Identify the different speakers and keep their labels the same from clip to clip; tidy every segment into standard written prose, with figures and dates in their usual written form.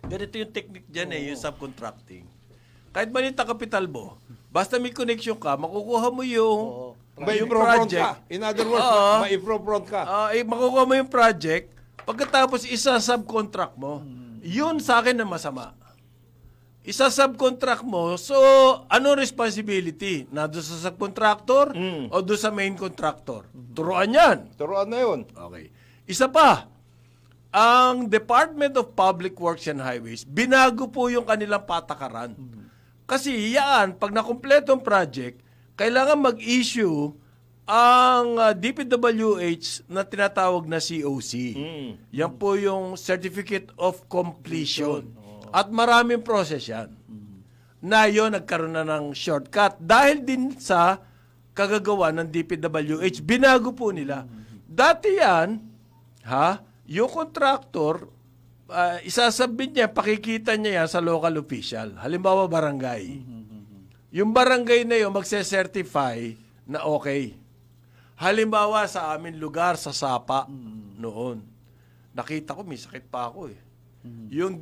Speaker 1: Ganito yung technique dyan yung subcontracting. Kahit maliit na kapital mo, basta may connection ka, makukuha mo yung,
Speaker 2: May
Speaker 1: yung
Speaker 2: pro-front
Speaker 1: project.
Speaker 2: ka. In other words, may pro-front ka.
Speaker 1: Makukuha mo yung project, pagkatapos isa-subcontract mo, yun sa akin na masama. Isa-subcontract mo, so ano responsibility? Na doon sa subcontractor o doon sa main contractor? Turuan yan.
Speaker 2: Turuan na yun.
Speaker 1: Okay. Isa pa, ang Department of Public Works and Highways, binago po yung kanilang patakaran. Kasi yan, pag nakumpleto ang project, kailangan mag-issue ang DPWH na tinatawag na COC. Yan po yung Certificate of Completion. At maraming process yan. Na yun, nagkaroon na ng shortcut. Dahil din sa kagagawa ng DPWH, binago po nila. Dati yan, yung contractor, isasabit niya, pakikita niya yan sa local official. Halimbawa, barangay. Yung barangay na yun, magse-certify na okay. Halimbawa, sa amin lugar, sa Sapa, noon. Nakita ko, may sakit pa ako eh. Yung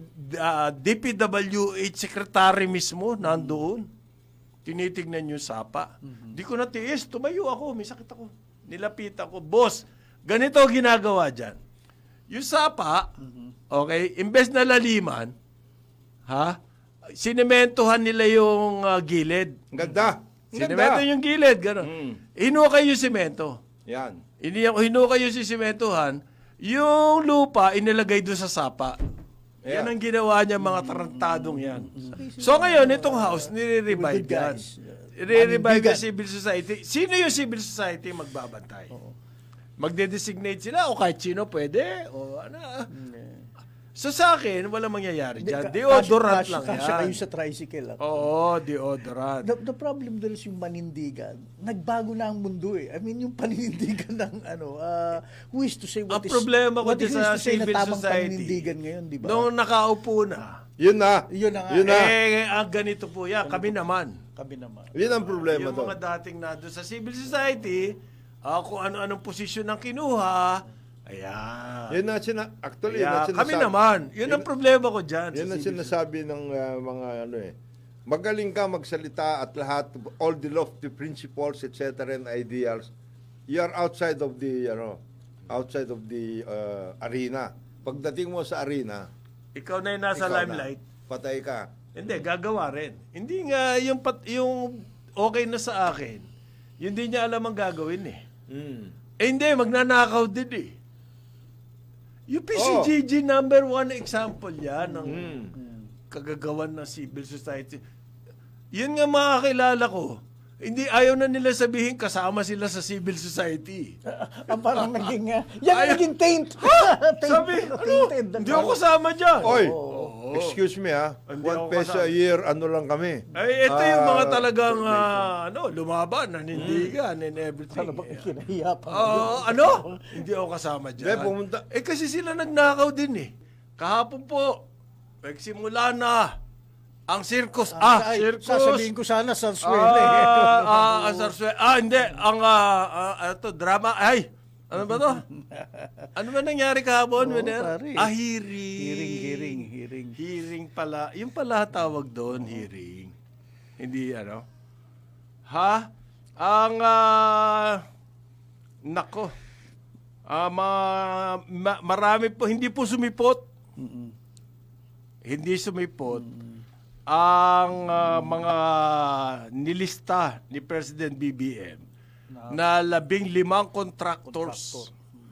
Speaker 1: DPWH secretary mismo, nandoon. Tinitignan yung Sapa. Di ko natiis, tumayo ako, may sakit ako. Nilapitan ko, boss, ganito ginagawa dyan. Yung Sapa, okay, imbes na laliman, sinementohan nila yung gilid.
Speaker 2: Ganda.
Speaker 1: Sinemento yung gilid, gano'n. Hinukay yung simento.
Speaker 2: Yan.
Speaker 1: Hinukay yung sisementohan, yung lupa inilagay doon sa Sapa. Yan ang ginawa niya, mga tarantadong yan. So ngayon, itong house, nire-revive yan. Nire-revive yung civil society. Sino yung civil society magbabantay? Magde-designate sila o kahit sino pwede? O ano? So sa akin, walang mangyayari dyan. Deodorant lang yan.
Speaker 3: Kasya kayo sa tricycle.
Speaker 1: Oo, deodorant.
Speaker 3: The problem there is yung panindigan. Nagbago na ang mundo eh. I mean, yung panindigan ng who is to say what
Speaker 1: Ang
Speaker 3: is...
Speaker 1: problema ko
Speaker 3: what
Speaker 1: din
Speaker 3: is
Speaker 1: sa
Speaker 3: to say na
Speaker 1: civil
Speaker 3: tamang
Speaker 1: society,
Speaker 3: panindigan ngayon, di ba?
Speaker 1: nung nakaupo na,
Speaker 2: Yun na.
Speaker 3: Yun na nga.
Speaker 2: Yun na.
Speaker 1: ang ganito po yan, kami naman.
Speaker 3: Kami naman.
Speaker 2: Yun ang problema
Speaker 1: Yung
Speaker 2: doon.
Speaker 1: mga dating na doon sa civil society, kung ano-anong posisyon ng kinuha, ayan.
Speaker 2: Yun na actually, yun
Speaker 1: Kaya
Speaker 2: na
Speaker 1: kami naman. Yun ang problema ko dyan.
Speaker 2: Yan
Speaker 1: sa
Speaker 2: ang
Speaker 1: civil
Speaker 2: sinasabi ng mga magaling ka magsalita at lahat, all the lofty principles, etc. and ideals, you are outside of the, arena. Pagdating mo sa arena,
Speaker 1: Ikaw na yung nasa
Speaker 2: ikaw
Speaker 1: limelight.
Speaker 2: na, patay ka.
Speaker 1: Hindi, gagawa rin. Hindi nga yung okay na sa akin, yun din niya alam ang gagawin eh. Hindi, magnanakaw din eh. Yung PCGG number 1 example yan ng kagagawan ng civil society. Yun nga makakilala ko. Hindi, ayaw na nila sabihin kasama sila sa civil society.
Speaker 3: Parang naging... yan ang naging taint.
Speaker 1: Sabi, hindi ako kasama dyan.
Speaker 2: Oy, excuse me
Speaker 1: Hindi
Speaker 2: 1
Speaker 1: ako
Speaker 2: peso a year, ano lang kami.
Speaker 1: Ay, ito yung mga talagang lumaban, nanindigan, and everything.
Speaker 3: Ano ba kinahiya pa?
Speaker 1: Hindi ako kasama dyan.
Speaker 2: Hindi, pumunta.
Speaker 1: Kasi sila nagnakaw din eh. Kahapon po, nagsimula na ang circus. Circus.
Speaker 3: Sasabihin ko sana sa Suwele.
Speaker 1: Hindi. Ang drama. Ay, ano ba to? Ano ba nangyari kahapon?
Speaker 3: Pare.
Speaker 1: Hearing. Hearing pala. Yung pala tawag doon, hearing. Hindi nako. Marami po, hindi po sumipot. Hindi sumipot ang mga nilista ni President BBM na 15 contractors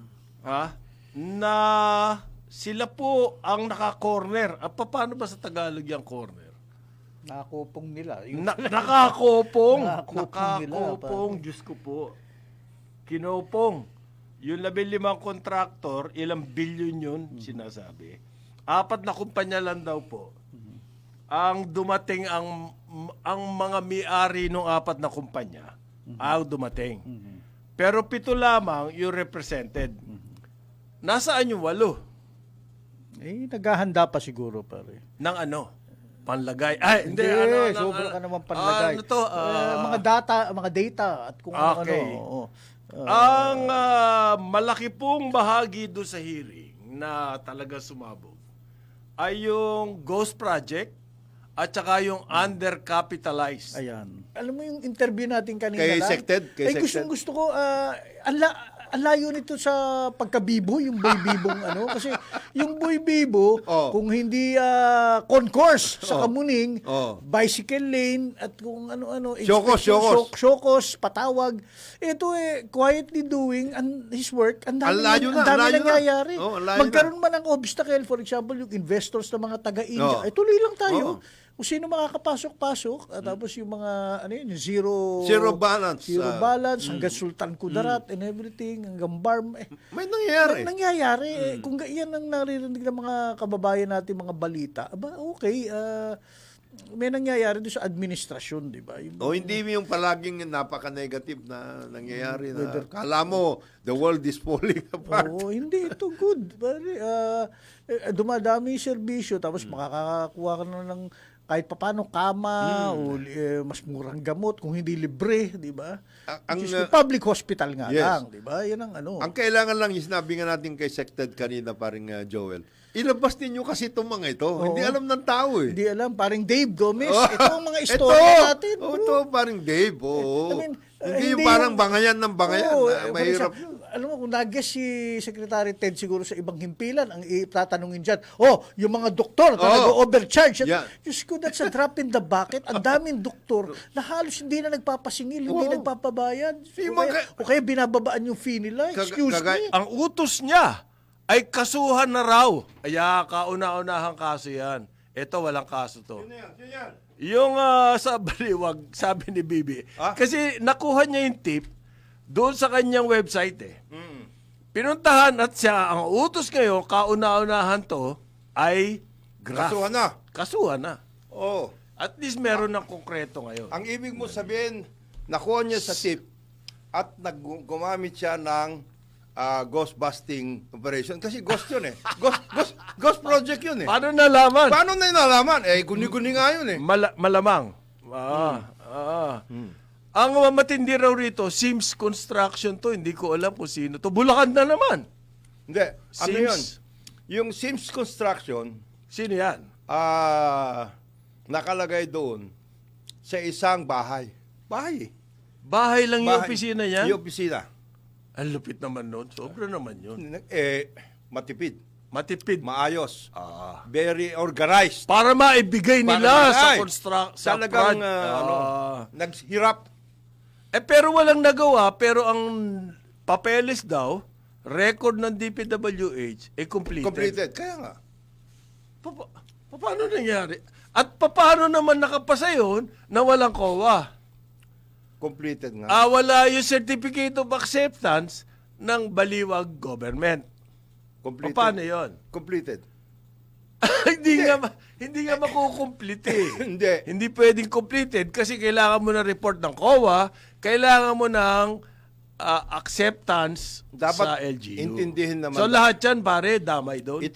Speaker 1: na sila po ang naka-corner. Paano ba sa Tagalog yung corner?
Speaker 3: Nakakopong nila.
Speaker 1: Nakakopong.
Speaker 3: Nakakopong nila,
Speaker 1: Diyos ko po. Kinopong. Yung 15 contractor, ilang billion yun, sinasabi. 4 na kumpanya lang daw po. Ang dumating, ang mga may-ari ng 4 na kumpanya, ang dumating. Pero 7 lamang yung represented. Nasaan yung 8?
Speaker 3: Naghahanda pa siguro, pare.
Speaker 1: Ng panlagay. Hindi.
Speaker 3: Sobra ka naman panlagay. Mga data at kung
Speaker 1: okay.
Speaker 3: ano.
Speaker 1: Ang malaki pong bahagi doon sa hearing na talaga sumabog ay yung Ghost Project at saka yung undercapitalized.
Speaker 3: Ayan. Alam mo yung interview natin kanina
Speaker 2: Kay
Speaker 3: lang?
Speaker 2: Sected? Kay
Speaker 3: Ay,
Speaker 2: Sected?
Speaker 3: gusto ko, ang layo nito sa pagkabibo, yung boy bibong ano. Kasi yung boy bibo,
Speaker 2: Oh.
Speaker 3: kung hindi concourse sa Kamuning,
Speaker 2: Oh.
Speaker 3: bicycle lane, at kung ano-ano,
Speaker 2: Syokos.
Speaker 3: patawag. Ito quietly doing his work. Ang dami,
Speaker 2: Ang layo na,
Speaker 3: ang dami
Speaker 2: ang layo na.
Speaker 3: nangyayari.
Speaker 2: Oh, ang layo
Speaker 3: Magkaroon man ng obstacle, for example, yung investors na mga taga-India,
Speaker 2: Oh.
Speaker 3: tuloy lang tayo.
Speaker 2: Oh.
Speaker 3: Kung sino makakapasok-pasok, at tapos yung mga, yung
Speaker 2: Zero balance.
Speaker 3: Zero balance, hanggang Sultan Kudarat and everything, hanggang Barm.
Speaker 2: May nangyayari.
Speaker 3: Nangyayari. Kung yan ang naririnig ng mga kababayan natin, mga balita, aba, okay, may nangyayari doon sa administrasyon, di ba?
Speaker 2: O hindi yung palaging napaka-negative na nangyayari na kala mo the world is falling apart.
Speaker 3: Oo, hindi. Ito good. Pare, dumadami yung serbisyo, tapos makakakuha ka na ng kahit papano kama o mas murang gamot kung hindi libre, di ba?
Speaker 2: Ang,
Speaker 3: Which is the public hospital nga
Speaker 2: yes.
Speaker 3: lang, di ba? Yan ang ano.
Speaker 2: Ang kailangan lang, yung sinabi nga natin kay Sected kanina, paring Joel, ilabas ninyo kasi itong mga ito.
Speaker 3: Oo.
Speaker 2: Hindi alam ng tao eh.
Speaker 3: Hindi alam, paring Dave Gomez.
Speaker 2: Oh,
Speaker 3: Ito ang mga istorya natin.
Speaker 2: Oh,
Speaker 3: bro.
Speaker 2: ito, paring Dave. Oo.
Speaker 3: I mean,
Speaker 2: hindi yung
Speaker 3: hindi
Speaker 2: parang
Speaker 3: yung-
Speaker 2: bangayan ng bangayan.
Speaker 3: Oo,
Speaker 2: na
Speaker 3: for
Speaker 2: mahirap.
Speaker 3: example, alam mo, kung nag-guess si Secretary Ted siguro sa ibang himpilan, ang itatanungin dyan, yung mga doktor na nag-overcharge.
Speaker 2: Yeah.
Speaker 3: Diyos ko, that's a drop in the bucket. Ang daming doktor na halos hindi na nagpapasingil, hindi
Speaker 2: Oo.
Speaker 3: nagpapabayad.
Speaker 2: Yung
Speaker 3: O kaya binababaan yung fee nila. Excuse me.
Speaker 1: Ang utos niya ay kasuhan na raw. Kaya kauna-unahang kaso yan. Ito, walang kaso to. Yung sa baliwag, sabi ni Bibi.
Speaker 2: Ah?
Speaker 1: Kasi nakuha niya yung tip doon sa kanyang website eh. Pinuntahan at siya, ang utos ngayon, kauna-unahan to, ay graph.
Speaker 2: Kasuhan na.
Speaker 1: Kasuhan na.
Speaker 2: Oh.
Speaker 1: At least meron ng konkreto ngayon.
Speaker 2: Ang ibig mo sabihin, nakuha niya sa tip at gumamit siya ng ghost busting operation. Kasi ghost yun eh. Ghost project yun eh.
Speaker 1: Paano nalaman?
Speaker 2: Paano na nalaman? Guni-guni nga yun eh.
Speaker 1: Malamang. Ang matindi raw rito, Sims Construction to. Hindi ko alam kung sino to. Bulacan na naman.
Speaker 2: Hindi. Ano yun?
Speaker 1: Sims.
Speaker 2: Yung Sims Construction,
Speaker 1: Sino yan?
Speaker 2: nakalagay doon sa isang bahay. Bahay.
Speaker 1: Bahay lang yung
Speaker 2: Bahay.
Speaker 1: opisina niya?
Speaker 2: Yung opisina.
Speaker 1: Ang lupit naman nun. Sobra naman yun.
Speaker 2: Matipid.
Speaker 1: Matipid.
Speaker 2: Maayos. Very organized.
Speaker 1: Para maibigay nila sa sa
Speaker 2: Talagang naghirap.
Speaker 1: pero walang nagawa, pero ang papeles daw, record ng DPWH, completed.
Speaker 2: Completed. Kaya nga.
Speaker 1: Paano nangyari? At paano naman nakapasa yun na walang COA?
Speaker 2: Completed nga.
Speaker 1: Wala yung certificate of acceptance ng baliwag government.
Speaker 2: Completed.
Speaker 1: Paano yun?
Speaker 2: Completed.
Speaker 1: hindi nga makukomplete eh.
Speaker 2: Hindi.
Speaker 1: Hindi pwedeng completed kasi kailangan mo ng report ng COA, kailangan mo ng acceptance
Speaker 2: Dapat
Speaker 1: sa LGU.
Speaker 2: intindihin naman.
Speaker 1: So lahat yan pare, damay doon.